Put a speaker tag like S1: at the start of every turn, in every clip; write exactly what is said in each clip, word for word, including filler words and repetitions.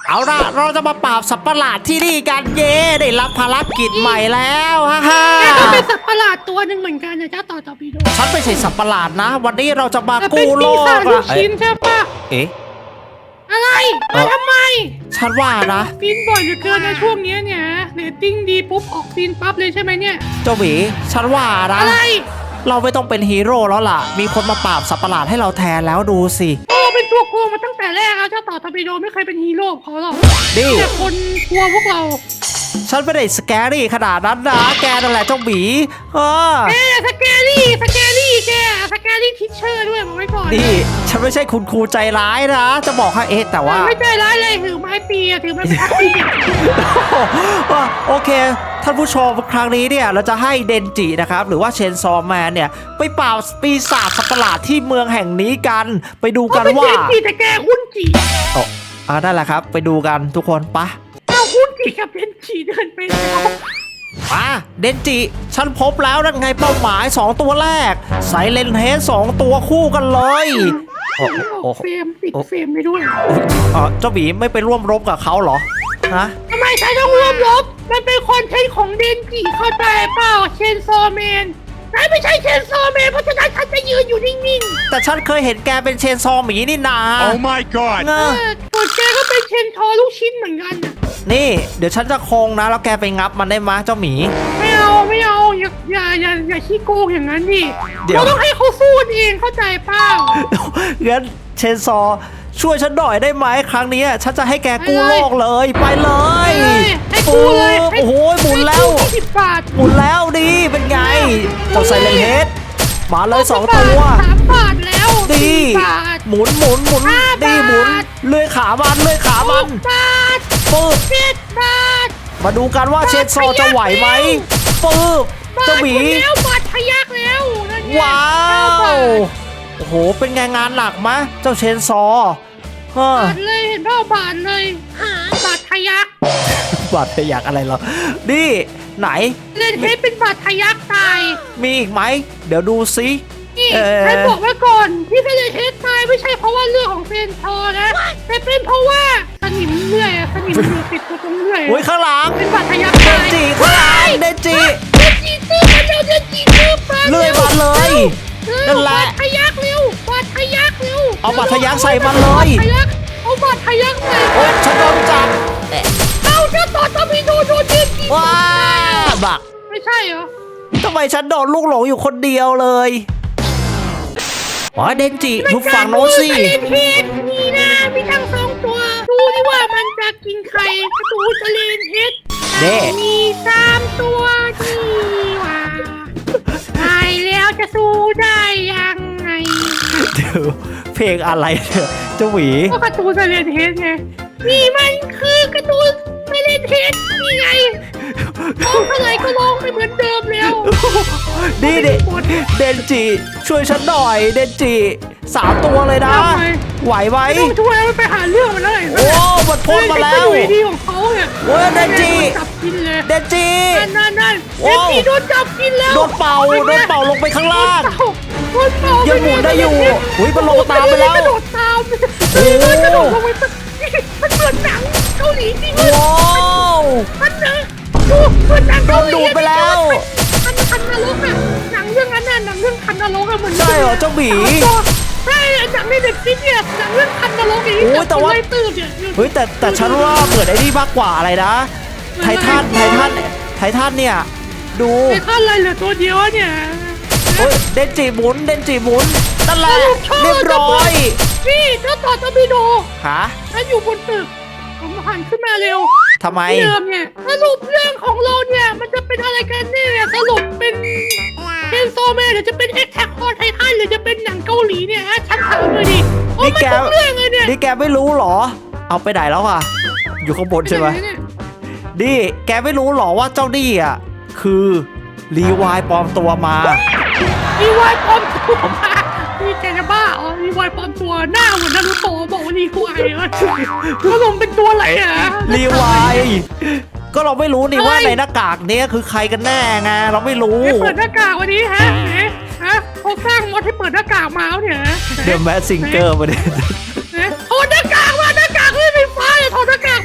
S1: เอาล่ะเราจะมาปราบสัตว์ประหลาดที่นี่กันเย่ได้รับภารกิจใหม่แล้วฮ่าฮ่า
S2: แกก็เป็นสัตว์ประหลาดตัวหนึ่งเหมือนกันนะเจ้าต่อตอร์ปิโด
S1: ฉันไม่ใช่สัตว์ประหลาดนะ วันนี้เราจะมา
S2: แต่เป็น
S1: กู้โล
S2: ปี
S1: ก
S2: ศาจลู
S1: อะ
S2: กชิ้นใช่ปะ
S1: เอ๊ะ
S2: อะไรมาทำไม
S1: ฉันว่านะ
S2: ฟินบ่อยเหลือเกินในช่วงนี้เนี่ยเรตติ้งดีปุ๊บออกฟินปั๊บเลยใช่ไหมเนี่ย
S1: เจ้าหวีฉันว่านะ
S2: อะไร
S1: เราไม่ต้องเป็นฮีโร่แล้วล่ะ มีคนมาปราบสัตว์ประหลาดให้เราแทนแล้วดูสิ
S2: โอ้เป็นตัวโกงมาตั้งแต่แรกแล้วเจ้าต่อตอร์ปิโดไม่เคยเป็นฮีโร่เขาหรอก
S1: นี่
S2: แต่คนกลัวพวกเรา
S1: ฉันไม่ได้สแกรี่ขนาดนั้นนะแกนั่นแหละเจ้าหมีเออ
S2: แกสแกรี่สแกรี่แกสแกรี่ทิชเชอร์ด้วยบอกไว้ก่อน
S1: นี่ฉันไม่ใช่คุณครูใจร้ายนะ จะบอกให้เอ๊ะแต่ว่า
S2: ไม่ใจร้ายเลยถือไม้ปีอะถือไม้พัดปีอะ
S1: โอเค ท่านผู้ชมครั้งนี้เนี่ยเราจะให้เดนจินะครับหรือว่าเชนซอแมนเนี่ยไปปราบปีศาจสัตว์ประหลาดที่เมืองแห่งนี้กันไปดูกันว่า
S2: เขเป็นเจนจีแต่แกหุ้นจี
S1: โอ้อ่านั่นแหละครับไปดูกันทุกคนปะ
S2: เอาหุ้นจีกับเจนจีเดินไปแล้ว
S1: มาเดนจิฉันพบแล้วนั่นไงเป้าหมายสองตัวแรกไซเลนเฮดสองตัวคู่กันเลยโอ้โอ้
S2: เฟรมติดเฟรมไปด้วย
S1: เออเจ้าหมีไม่ไปร่วมรบกับเขาเหรอฮะ
S2: ทำไมฉันต้องร่วมรบมันเป็นคอนเทนต์ของเดนจีเข้าใจเปล่าเชนซอแมนฉันไม่ใช่เชนซอแมนเพราะฉะนั้นฉันจะยืนอยู่นิ่ง
S1: แต่ฉันเคยเห็นแกเป็นเชนซอหมีนี่นา
S3: Oh my god!
S1: เง
S2: ๆเอ
S1: อะ
S2: อส่วนแกก็เป็นเชนทอลูกชิ้นเหมือนกันน่ะ
S1: นี่เดี๋ยวฉันจะโคงนะแล้วแกไปงับมันได้มะเจ้าหมี
S2: ไม่เอาไม่เอาอย่าอย่าอย่าอย่าขี้โกงอย่างนั้นดิ
S1: เดี๋ยว
S2: เราต้องให้เขาสู้กันเองเข้าใจเปล่า
S1: งั้นเชนซอช่วยฉันหน่อยได้ไหมครั้งนี้ฉันจะให้แกกู้
S2: ไปเลย
S1: โลกเลยไปเลย
S2: ไปเลยให้กู้เลยให้
S1: โอ้โหหมุนแล้ว
S2: ให้กู้ยี่สิบบาท
S1: หมุนแล้วดีเป็นไง
S2: หมุนเลย
S1: เจ้าไซเลนเฮดมาเลยสองตัว
S2: สามบาทแล้ว
S1: ดี
S2: สี่บาท
S1: หมุนหมุนหมุน
S2: ห้า
S1: ดี
S2: บาท
S1: หมุนเลื่อยขามันเลื่อยขา
S2: ห
S1: มัน
S2: กบาท
S1: ปึ๊บ
S2: เจ็ดบาท
S1: มาดูกันว่าเชนซอจะไหวไหมปึ๊บบ
S2: า
S1: เจ้า
S2: ท
S1: หมี
S2: คนแล้วบาททะยักแล้วนั่นไง
S1: ว้า
S2: เก้บ
S1: ว
S2: ท
S1: โอ้โหเป็นไงงานหนักมะเจ้าเชนซอเฮ้อบ
S2: าทเลยเห็นเปล่าบาทเลยบาททะยัก
S1: บาดทะยักอะไรเหรอนี่ไหน
S2: เล่นเทปเป็นบาททะยักตาย
S1: มีอีกไหมเดี๋ยวดูซิ
S2: นี่
S1: เอ่อ
S2: ให้บอกไว้ก่อนที่เป็นเทปตายไม่ใช่เพราะว่าเรื่องของเฟนทอนะแต่เป็นเพราะว่าสนิมเลื่อยอะสนิมอยู่ติดตัวตรงเลื่อย
S1: โอ้ยข้างหลัง
S2: เป็นบาดทะยัก
S1: เด
S2: ตาน ย
S1: จิข้างหลังเดนจิ
S2: เดนจีตื้อมาเร็วเดนจีตื้อมา
S1: เลื่อยมาเลย
S2: เร็ว
S1: นั่นแหละ
S2: บาดทะยักเร็วบาดทะยักเร็ว
S1: เอาบาดทะยักใส่มันเลย
S2: บาดทะยักเอาบาดทะยักใส่
S1: โอ้ยฉันโดนจับเอ๊ะ
S2: เอาเจ้าต่อตะมีโดโดนเดนจี
S1: ว้าบัก
S2: ไม่ใช่เหรอ
S1: ทำไมฉันโดนลูกหลงอยู่คนเดียวเลยอ๋อเดนจิทุกฝั่งโน้นสิ
S2: มันจะเล่นเทปนี่นะมีทั้งสองตัว ดูดิว่ามันจะกินใครกระตูจะเล่นเฮด
S1: เด้
S2: มีสามตัวนี่ว่าตายแล้วจะสู้ได้ยังไง
S1: เดี๋ยวเพลงอะไรเนี่ยเจ้าหวี
S2: ก็การ์ตูนจะเล่นเฮดไงนี่มันคือการ์ตูนไม่เล่นเฮดนี่ไงร้องเท่าไหร่ก็ร้องไม่เหมือนเดิมแล้ว
S1: นี่เดเดนจิช่วยฉันหน่อยเดนจิสามตัวเลยนะ
S2: ทำไม
S1: ไหวไหม
S2: ไม่ต้องช่วยมันไปหาเรื่องมันเลย
S1: โอ้มันพ่นมาแล้ว
S2: เล่นเป็นกระดุยดีของเขาเนี่ย
S1: เว้ยเดนจิ
S2: โดนจับกินเลย
S1: เดนจิ
S2: นั่นนั่นนั่น
S1: โอ้
S2: เดนจีโดนจับกินแล้ว
S1: โดนเป่าโดนเป่าลงไปข้างล่าง
S2: โดนเป่า
S1: ยังหมุนได้อยู่อุ๊ยมันลงตามไปแล้ว
S2: กระโดดตาม
S1: โอ้
S2: เฮ้ยมันกระโดดลงไปมันเหมือนหนังเกาหลีจริงเลย
S1: ว้าว
S2: มันเนอะดูเหมือนหนัง
S1: โด
S2: เกาน หลี
S1: ดูดไปแล้ว
S2: คันคันนรกอะหนังเรื่องนั้นน่ะหนังเรื่องคันนรกอะเหมือน
S1: ใช่เหรอเจ้าหมี
S2: ใช่หนังในเด็กซิเนี่ยหนังเรื่องคันนรกอย่างนี้
S1: โอ้ยแต่ว่า
S2: จับคนไล่ตื้อเนี่ย
S1: เฮ้ยแต่แต่ฉันว่าเหมือนไอ้นี่มากกว่าอะไรนะ ไททันไททันไททันเนี่ย ดู
S2: ไอ้ท่านอะไรเหลือตัวเดียวอะเนี่ย
S1: เฮ้ยเดนจิหมุนเดนจิหมุนนั่นแหละ
S2: สรุปชอบ
S1: เรียบร้อย
S2: นี่เจ้าต่อตะบิโด
S1: ฮะ
S2: ฉันอยู่บนตึกผมหันขึ้นมาเร็ว
S1: ทำไม
S2: เดิมเนี่ยสรุปเรื่องของเราเนี่ยมันจะเป็นอะไรกันแน่เนี่ยสรุปเป็นเป็นโซแมนหรือจะเป็นเอ็กแท็กคอไททันหรือจะเป็นหนังเกาหลีเนี่ยฮะฉันถามเลยดิโอ้
S1: นี่
S2: มัน
S1: แก
S2: ทุกเรื่องเลยเนี่ย
S1: นี่แกไม่รู้เหรอ เอาไปไหนแล้วอ่ะ อยู่ข้างบนใช่ไหม
S2: เนี่ย
S1: นี่แกไม่รู้เหรอว่าเจ้านี่อ่ะคือรีวายปลอมตัวมา
S2: รีวายปลอมตัวมานี่แกจะบ้าอ๋อรีวายปลอมตัวหน้าเหมือนนารูโตะบอกว่ารีวายเลยแล้วลงเป็นตัวอะไรอ่ะ
S1: รีวายก็เราไม่รู้นี่
S2: เฮ้ย
S1: ว่าในหน้ากากเนี้ยคือใครกันแน่ไงเราไม่รู้
S2: ให้เปิดหน้ากากวันนี้ฮะเอ๊ะฮะเขาสร้างมอดให้เปิดหน้ากากมาแล้วเนี่ย
S1: เดอะแมสซิงเกอร์มาเนี่ย
S2: เอ๊ะถอดหน้ากากมาหน้ากากไม่ไฟฟ้าอย่าถอดหน้ากาก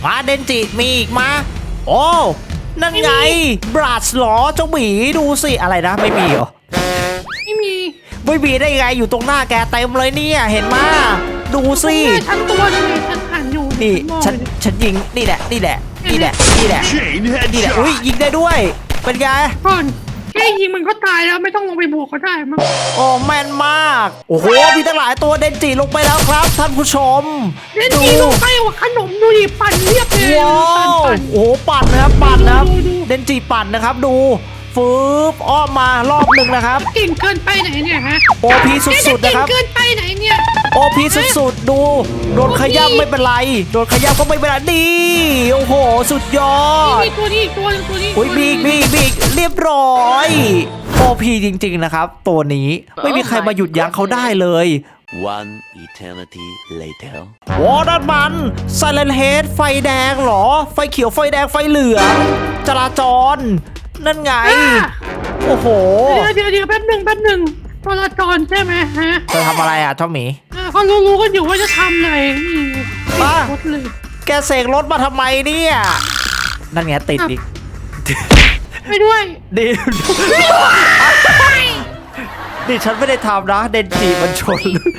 S1: มาเดนจิมีอีกมาโอ้นั่นไงบราสหรอเจ้าหมีดูสิอะไรนะไม่มีเหรอ
S2: ไม่มี
S1: ไม่มีได้ไงอยู่ตรงหน้าแกเต็มเลยเนี่ยเห็นมาดูสิ
S2: ทั้งตัวเลยฉันหันอยู่
S1: นี่ฉันฉันยิงนี่แหละนี่แหละนี่แหละนี่แหละ
S3: Chain
S1: นี่แหละ
S3: headshot.
S1: อุ้ยยิงได้ด้วยเป็นไง
S2: ก่อนแค่ยิงมันก็ตายแล้วไม่ต้องลงไปบวกก็ได้มั้ง
S1: โอ้แม่นมากโอ้โหมีตั้งหลายตัวเดนจิลงไปแล้วครับท่านผู้ชม
S2: เล่นจีลงไปว่าขนมดูดิปั่นเรียบเลย
S1: ว้า
S2: ปั่น
S1: ว
S2: ปั่น
S1: โอ้โหปั่นนะครับปั่นนะครับ
S2: ดูดู
S1: เดนจิปั่นนะครับดูฟืบอ้อมมารอบหนึ่งนะครับ
S2: เก่งเกินไปไหนเนี่ยฮะ
S1: โอพีสุดๆนะครับ
S2: เก่งเกินไปไหนเนี่ย
S1: โอพีสุดๆดูโดนขย้ำไม่เป็นไรโดนขย้ำก็ไม่เป็นไรดีโอ้โหสุดยอด
S2: นี่ตัวนี้อีกตัวหนึงตัวนี้
S1: อุ้ยบีกบีกบีกเรียบร้อยโอพีจริงๆนะครับ ตัวนี้ไม่มีใครมาหยุดยั้งเขาได้เลย
S3: One eternity later.
S1: โอ้นั่นมันไซเลนเฮดไฟแดงเหรอ ไฟเขียวไฟแดงไฟเหลืองจราจร นั่นไง
S2: อ่ะ
S1: โอ้โห
S2: เดี๋ยวเดี๋ยวเดี๋ยวแป๊บหนึ่งแป๊บหนึ่งจราจรใช่ไหมฮะ
S1: จะทำอะไรอ่ะเจ้าหมี
S2: อ่าเขารู้ๆกันอยู่ว่าจะทำอะไรนี่
S1: ป้า
S2: รถเลย
S1: แกเสกรถมาทำไมเนี่ย นั่นไงติดอีก
S2: ไปด้วย
S1: ดินี่ฉันไม่ได้ทำนะเดนจิมันชน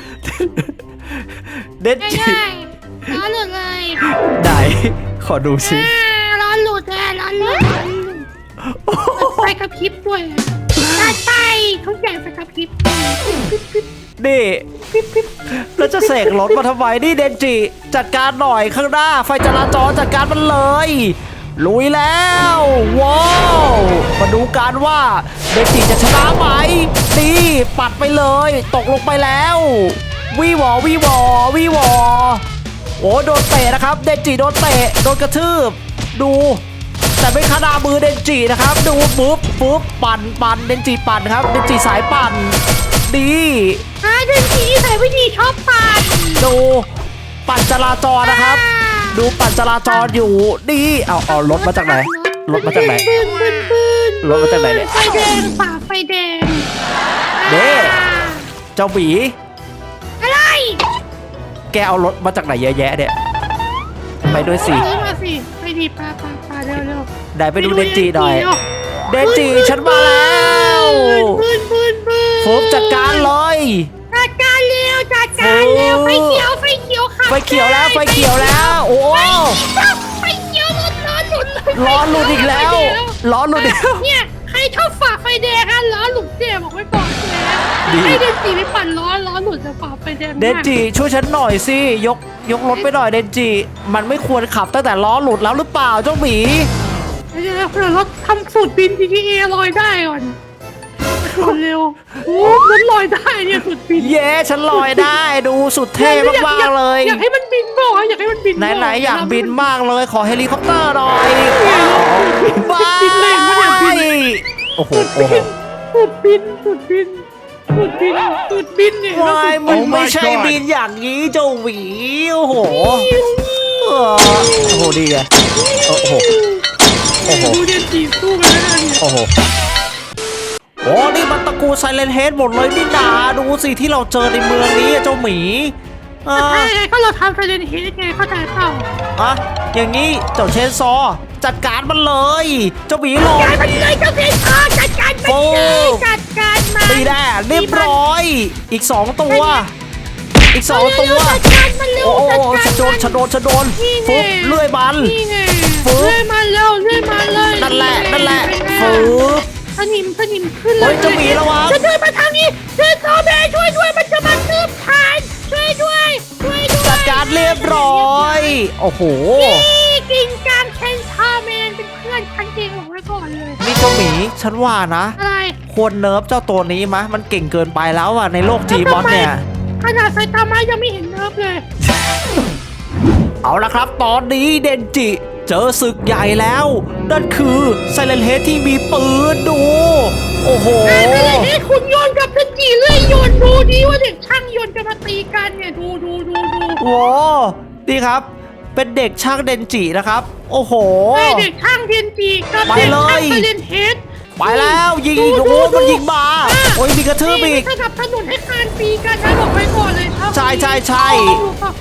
S1: เดนจิ
S2: ง่ายๆร้อนหลุดเลย
S1: ไหนขอดูสิ
S2: อ่าร้อนหลุดเลยร้อนหลุดร้อนหลุดไฟกระพริบด้วยจัดไปทุกอย่างไฟกระพริบ
S1: นี่แล้วจะเสกรถมาทำไมนี่เดนจิจัดการหน่อยข้างหน้า ไฟจราจรจัดการมันเลยลุยแล้วว้าวมาดูกันว่าเดนจิจะชนะไหมนี่ปัดไปเลยตกลงไปแล้ววีวอวีวอวีวอโอ้โดนเตะนะครับเดนจิโดนเตะโดนกระทืบดูแต่ไม่ขนาดมือเดนจินะครับดูปุ๊บปุ๊บปั่นปั่นเดนจิปั่นครับเดนจิสายปั่นดี
S2: อ่าเดินทีใส่วิธีชอบปั่น
S1: ดูปั่นจราจรนะครับ ดูปั่นจราจรอยู่ดีเอาเอารถมาจากไหนรถมาจากไหน
S2: บึ้นบึ้นบึ้น
S1: รถมาจากไหนเนี่ย
S2: ไฟแดงฝ่าไฟแดง
S1: เด้
S2: อ่า
S1: เจ้าหมี
S2: อะไร
S1: แกเอารถมาจากไหนเยอะแยะเนี่ยไปด้วยสิ
S2: ซื้อมาสิไปดีปลาปลาปลาเร็วเร็ว
S1: ได้ไปดูเดนจิหน่อยเดนจิฉันมาแล้ว
S2: บึ้นบึ้นบึ้น
S1: โฟมจัดการเลย
S2: จัดการเร็วจัดการเร็วไฟเขียวไฟเขียวค่ะ
S1: ไฟเขียวแล้วไฟเขียวแล้ว โอ้
S2: ไฟเขียวร้อนร้อนหลุดเลย
S1: ล้อหลุดอีกแล้วล้อหลุดอีกแล้ว
S2: เนี่ยใครชอบฝ่าไฟแดงอะล้อหลุดเนี่ยบอกไว้ก่อนเลย
S1: ดี
S2: ให้เดนจีไปปั่นล้อล้อหลุดจะฝ่าไฟแดง
S1: เดนจิช่วยฉันหน่อยสิยกยกรถไปหน่อยเดนจิมันไม่ควรขับตั้งแต่ล้อหลุดแล้วหรือเปล่าเจ้าหมี
S2: เดี๋ยวเดี๋ยวเราทำสูตรบิน จี ที เอ ลอยได้ก่อนเร็วโอ้มันลอยได้เนี่ยสูตรบิน
S1: เย้ฉันลอยได้ดูสุดเท่มากๆเลย
S2: อยากให้มันบินบ่อยอยากให้มันบินบ่
S1: ไหนๆอยากบินมากเลยขอเฮลิคอปเตอร์หน่อยบ้า
S2: บินเลยไม่ได้บิน
S1: โอ้โหโอ้โห
S2: สูตรบินสูตรบินสูตรบินสูตรบินเนี่ย
S1: วายมัน
S3: Oh my
S1: ไม่ใช่
S3: God
S1: บินอย่างนี้เจ้าหวีโอ้โหเออโอ้โหดีไงโอ้โห โอ้โห
S2: ดูเดนจีสู้กันแล้วเนี่ย
S1: โอ้โหโอ้นี่มันตระกูลไซเลนเฮดหมดเลยนี่นาดูสิที่เราเจอในเมืองนี้อะเจ้าหมีอ่า
S2: ใช่ไงก็เราทำไซเลนเฮดไงเข้าใจเปล่า
S1: อะอย่างนี้เจ้าเชนซอจัดการมันเลยเจ้าหมีหลอ
S2: จัดการมันเลยเจ้าเพชรพอจัดการมันเลยจัดการมัน
S1: ตีแน่เรียบร้อย อีกสองตัว อีกสองตัว
S2: จัดการมันเร็ว
S1: โอ้โห
S2: จัด
S1: ฉั
S2: กาน ร
S1: โดนฉันโดนฉันโดน
S2: นี่ไง
S1: ฟุบเลื่อยมัน
S2: นี่ไง
S1: ฟุ๊บ
S2: เลื่อยมาเร็วเลื่อยมาเลย
S1: นั่นแหละนั่นแหละ
S2: เป็นไง
S1: ฟุบ
S2: สนิมสนิมขึ้น
S1: เฮ้ยเจ้าหมีระวัง
S2: จะเดินมาทางนี้เดินโซเบช่วยด้วยมันจะมาคืบทานช่วยด้วยช่วยด้วย
S1: จัดการเรียบร้อย โอ้โห
S2: นี่กินกลางเชนชาแมนเป็นเพื่อนฉันเองบอกไว้ก่อนเลย
S1: นี่เจ้าหมีฉันว่านะ
S2: อะไร
S1: ควรเนิร์ฟเจ้าตัวนี้มะมันเก่งเกินไปแล้วอ่ะในโลกจีบอสเนี่ย
S2: ขนาดไซตามะยังไม่เห็นเนิร์ฟเลย
S1: เอาละครับ ตอนนี้เดนจิ เจอศึกใหญ่แล้ว นั่นคือไซเลนเฮดที่มีปืนดู โอ้โห
S2: ไอ้ไม่ได้ให้คุณโยนกับเทนจีเรื่อยโยนดูดีว่าเด็กช่างโยนจะมาตีกันเนี่ยดูดูดูดู
S1: โอ้นี่ครับ เป็นเด็กช่างเดนจินะครับ โอ้โห
S2: ไอ้เด็กช่างเทนจีกับ
S1: ไป
S2: เด็ก
S1: เลย
S2: ช่างไซเลนเฮด
S1: ไปแล้วยิงอีกโอ้โหมันยิงมาโอ้ยมีกระทืบอีก
S2: สนับสนุนให้การตีกันนะบอกไว้ก่อนเลยครับ
S1: ใช่ใช่ใช่
S2: ดูครับ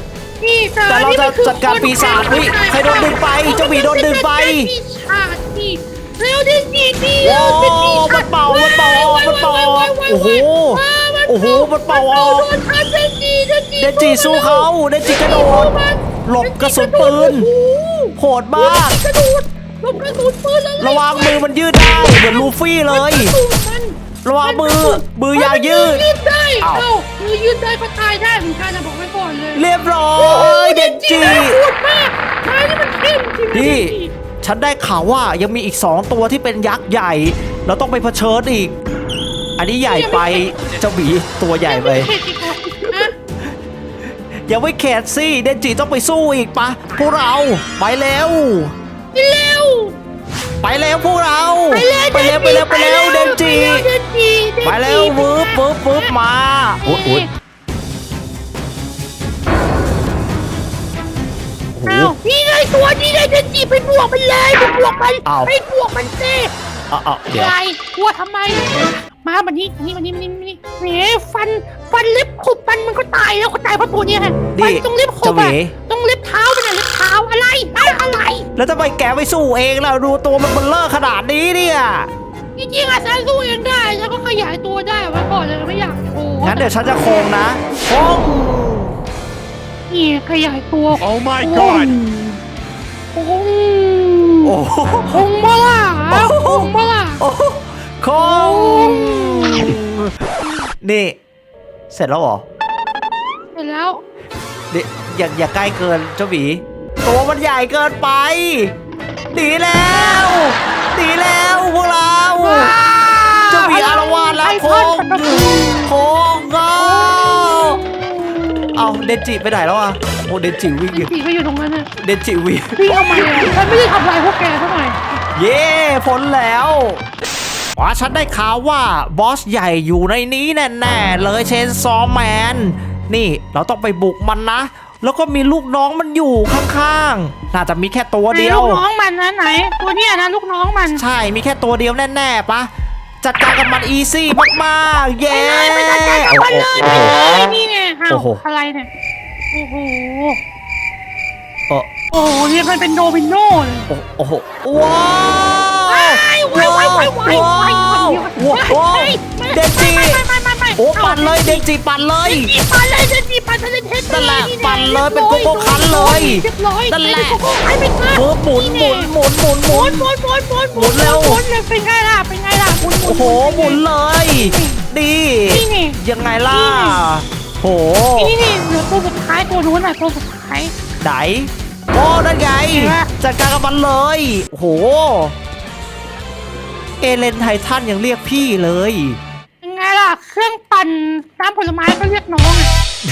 S2: นี่
S1: แต่เราจะจัดการปีศาจเฮ้ยใครโดนดึงไปเจ้าหมีโดนดึงไป
S2: ปีศาจนี่เร็วดิดีดี
S1: โอ้มันเป่ามันเป่าออกมันเป่าออกโอ้โหโอ้โหมันเป่าออก
S2: โดนทันเดนจีเดนจี
S1: เดนจิสู้เขาเดนจิกระโดดหลบกระสุนปืนโหดมาก
S2: กระโดดหลบกระสุนปืนแล้ว
S1: ระวังมือมันยืดได้เหมือนลูฟี่เลย ระวังมือมือยาวยืด
S2: ยืดได้
S1: อ้าว
S2: เอ้ามือยืดได้ก็ตายได้เหมือนกันนะบอกไว้ก่อนเลย
S1: เรียบร้อยเดนจิ
S2: พูดมากนายนี่มันเข้มจริงนะ
S1: นี่
S2: เดนจิ
S1: ฉันได้ข่าวว่ายังมีอีกสองตัวที่เป็นยักษ์ใหญ่ เราต้องไปเผชิญอีก อันนี้ใหญ่ไปเจ้าหมีตัวใหญ่ไป
S2: เข็ดอีกเหรอฮะ
S1: ยังไม่เข็ดสิเดนจิต้องไปสู้อีกปะพวกเราไปเร็ว
S2: เร็ว
S1: ไปเร็วพวกเรา
S2: ไปเร็ว
S1: ไปเร็วไปเร็วไปเร็วเดนจิ
S2: เดนจิ
S1: ไปเร็ววืบวืบวืบมาโอ๊ยโอ๊ยโอ้
S2: เอ้า
S1: โห
S2: นี่ไงตัวนี้ไงเดนจิไปบวกมันเลยไปบวกมัน
S1: อ้าว
S2: ไปบวกมันสิ
S1: เอาเอาเดี๋ยว
S2: อะไรกลัวทำไม มาบันนี้อันนี้อันนี้อันนี้อันนี้แหมฟันฟันเล็บขบมันมันก็ตายแล้วก็ตายเพราะตัวเนี้ยฮะฟันตรงเล็บขบอะตรงเล็บเท้ามันอะเล็บเท้าอะไรอะอะไร
S1: แล้วทำไมแกไม่สู้เองล่ะดูตัวมันเบลเลอร์ขนาดนี้เนี่ย
S2: จริงๆอะฉันสู้เองได้ฉันก็ขยายตัวได้ไว้ก่อนเลยไม่อยากโชว์
S1: งั้นเดี๋ยวฉันจะโคงนะโคง
S2: นี่ขยายตัว
S3: Oh my god
S2: โอ้โห
S1: โอ้โห
S2: คงมาล่ะคงมาล่ะ
S1: โอ้โหโคงนี่ เสร็จแล้วเหรอ
S2: เสร็จแล้ว
S1: เดี๋ยวอย่าอย่าใกล้เกินเจ้าหมีตัวมันใหญ่เกินไปหนีแล้วหนีแล้วพวกเราเจ้าหมีอารวาสแล้วโคงโคงก็เอาเดนจิไปไหนแล้วอ่ะโอ้เดนจิวิ่งอยู่
S2: สีไปอยู่ตรงนั้นน่ะ
S1: เดนจิวิ่ง
S2: วิ่งทำไมอะฉันไม่ได้ทำลายพวกแกเท่าไหร่
S1: เย้พ้นแล้วว่าฉันได้ข่าวว่าบอสใหญ่อยู่ในนี้แน่ๆเลยเชนซอแมนนี่เราต้องไปบุกมันนะ แล้วก็มีลูกน้องมันอยู่ข้างๆน่าจะมีแค่ตัวเดียว
S2: ลูกน้องมันนะไหน ตัวเนี้ยนะลูกน้องมัน
S1: ใช่มีแค่ตัวเดียวแน่ๆปะจัดการกับมันอีซี่มากๆเย้
S2: ไปเลยไปจัดการกับมันเลยไปเลยนี่ไงอ้าว
S1: โอ้โห
S2: อะไรเนี่ยโอ้โห
S1: โอ้
S2: โอ้โหเรียกมันเป็นโดมิโนเลย
S1: โอ้โหว้าว
S2: ว้ายว้ายว้ายว้ายว้าย
S1: ว้าวว้าวเดนจิ
S2: ไม่ไม่ไม่ไม่
S1: โอ้ปั่นเลยเดนจิปั่นเลย
S2: จีปั่นเลยเดนจีปั่นทะเลเทส
S1: นั่นแหละปั่นเลยเป็นโกโก้คันเลย
S2: เรียบร้อย
S1: นั่นแหละ
S2: เป็นโกโก้คันไปค่ะ
S1: เออหมุนหมุนหมุนหมุนห
S2: ห
S1: มุ
S2: มุ
S1: น
S2: นหมุนหมุนหมุน
S1: หมุนเร็ว
S2: หมุนเลยเป็นไงล่ะเป็นไงล่ะหมุนหมุน
S1: โอ้โหหมุนเลยดี
S2: นี่ไง
S1: ยังไงล่ะโห
S2: นี่นี่เหลือตัวสุดท้ายตัวนู้นน่ะตัวสุดท้าย
S1: ไหนโอ้นั่นไง
S2: เห็นปะ
S1: จัดการกับมันเลยโอ้โหเอเลนไททันยังเรียกพี่เลย
S2: ยังไงล่ะเครื่องปั่นน้ำผลไม้ก็เรียกน้องอ่ะ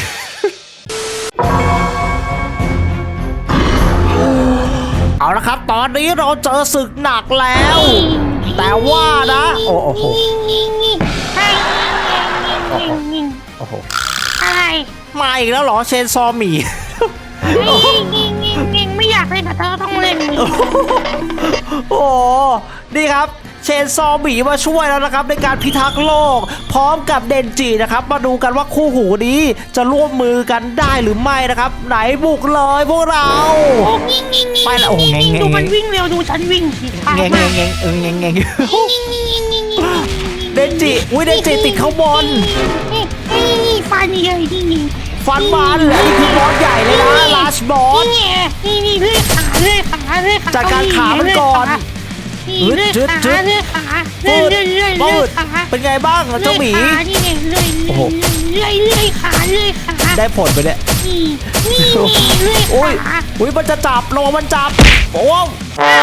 S1: เอาละครับ ตอนนี้เราเจอศึกหนักแล้ว แต่ว่านะโอ้โห
S2: ใช่ยิง
S1: โอ้โห
S2: อะไร
S1: มาอีกแล้วเหรอเชนซอหมี
S2: ยิงยิงยิงยิงไม่อยากเล่นกับเธอต้องเล่น
S1: โอ้โหนี่ครับเชนซอหมีมาช่วยแล้วนะครับในการพิทักษ์โลก พร้อมกับเดนจินะครับมาดูกันว่าคู่หูนี้จะร่วมมือกันได้หรือไม่นะครับ ไหนบุกเลยพวกเรา
S2: โอ้ยิงยิงยิง
S1: ไปละโอ้แงงแงง
S2: ดูมันวิ่งเร็วดูฉันวิ่งสิช้า
S1: แงง
S2: มา
S1: แง
S2: ก
S1: งแงงเออแงงแงง
S2: ยิงยิงยิงยิงยิง
S1: เดนจิอุ้ยเดนจิติดข้างบน
S2: นี่นี่ฟันใหญ่นี่นี่
S1: ฟันมันอันนี้คือบอสใหญ่เลยนะลาสบอส
S2: นี่นี่นี่เลื่อยขาเลื่อยขาเลื่อยขา
S1: จัดการขามันก่อน
S2: นี่เลื่อยขาเลื่อยขาเลื่อยเลื่อยเลื่อยเลื่อยขา
S1: เป็นไงบ้างเจ้าหมี
S2: นี่ไงเลื่อยเลื่อยเลื่อยขาเลื่อยขา
S1: ได้ผลไปเนี่ย
S2: นี่นี่เลื่อย
S1: อุ้ย
S2: ขา
S1: อุ้ยมันจะจับลงมันจับโอ้ว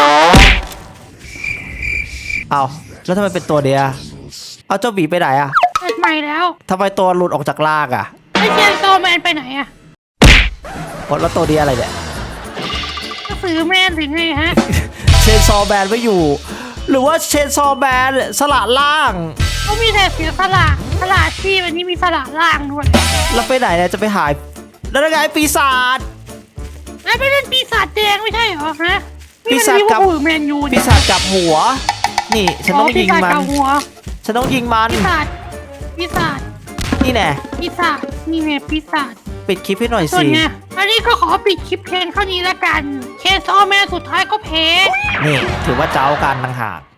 S1: เอาแล้วทำไมเป็นตัวเดียวเอาเจ้าหมีไปไหนอะ
S2: เปิดใหม่แล้ว
S1: ทำไมตัวหลุดออกจากลากอะ
S2: ไอเชนโตแมนไปไหนอะ
S1: โอ้แล้วตัวเดียวอะไรเนี่ย
S2: ก็ซื้อแมนถึงไงฮะ
S1: เชนซอแบนไม่อยู่ หรือว่าเชนซอแบนสละล่าง
S2: เขามีแต่เสียสละสละชีพอันนี้มีสละล่างด้วย
S1: แล้วไปไหนเนี่ยจะไปหายแล้วยังไงปีศาจ
S2: แล้วไม่เป็นปีศาจแดงไม่ใช่เหรอฮะ
S1: ปีศาจกับ
S2: นี่มันลิเวอร์พูลแมนยู
S1: ปีศาจกลับหัว นี่ฉันต้องยิงมัน
S2: ปีศาจกับหัว
S1: ฉันต้องยิงมัน
S2: ปีศาจปีศาจ
S1: นี่แน่
S2: ปีศาจนี่ไงปีศาจ
S1: ปิดคลิปให้หน่อย
S2: ส่วน
S1: สิ
S2: ไงอันนี้ก็ขอปิดคลิปเพลงเท่านี้แล้วกันเคซอแมนสุดท้ายก็แพ้
S1: นี่ถือว่าเจ้ากันต่างหาก